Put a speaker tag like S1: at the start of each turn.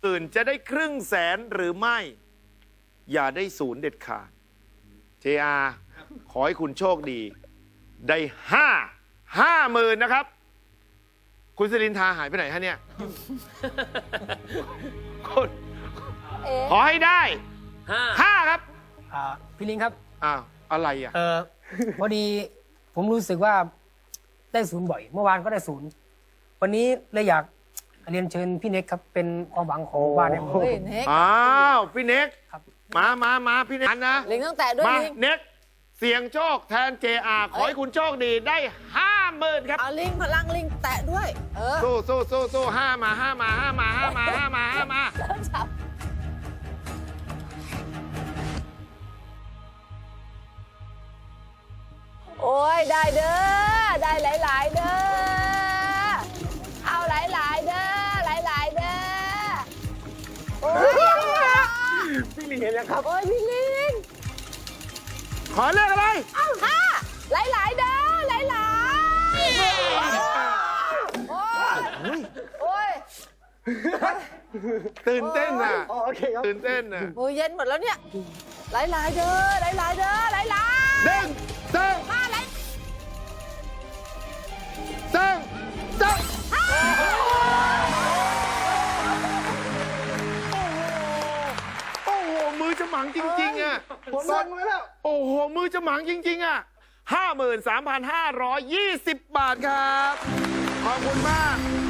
S1: อื่นจะได้ครึ่งแสนหรือไม่ อย่าได้ศูนย์เด็ดขาด JR ขอให้คุณโชคดี ได้50,000นะครับ คุณสิรินทาหายไปไหนฮะเนี่ยคุณขอให้ได้5ครับ
S2: พี่ลิงครับ
S1: อ้าว อะไรอ่ะ
S2: พอดีผมรู้สึกว่าได้ศูนย์บ่อย เมื่อวานก็ได้ศูนย์วันนี้เลยอยากเรียนเชิญพี่เน็กครับเป็นความหวังของบ้านเนี่ย
S3: เฮ้ยเน็ก
S1: อ้าวพี่เน็ก
S2: ครับ
S1: มาพี่เน็กนะ
S3: ลิงต้องแตะด้วย
S1: มา
S3: ลิง
S1: เน็กเสียงโชคแทน JR ขอให้คุณโชคดีได้50,000ครับ
S3: เอาลิงพลังลิงแตะด้วย
S1: สู้5 มา
S3: จับโอ้ยได้เด้อได้หลายๆเด้อเอาหลายๆเด้อหลายๆเด้อโอ้ย
S2: พี่ลิงเห็นแล้วครับ
S3: โอ้ยพี่ลิง
S1: ขอเลขอะไร
S3: เอาห้าหลายๆเด้อหลายๆโอ้ยโอ้ย
S1: ตื่นเต้นอ่ะ
S2: โอเคครับ
S1: ตื่นเต้นอ่ะ
S3: มือเย็นหมดแล้วเนี่ยหลายๆเด้อหลายๆเด้อหลายๆ
S1: เด้งเด้ง
S3: ห้าหลาย
S1: เด้งเด้งโอ้โหมือจะหมังจริงๆอ่ะ
S2: ผมสั่งไว้แล้ว
S1: โอ้โหมือจะหมังจริงๆอ่ะ53,520 บาทครับ ขอบคุณมาก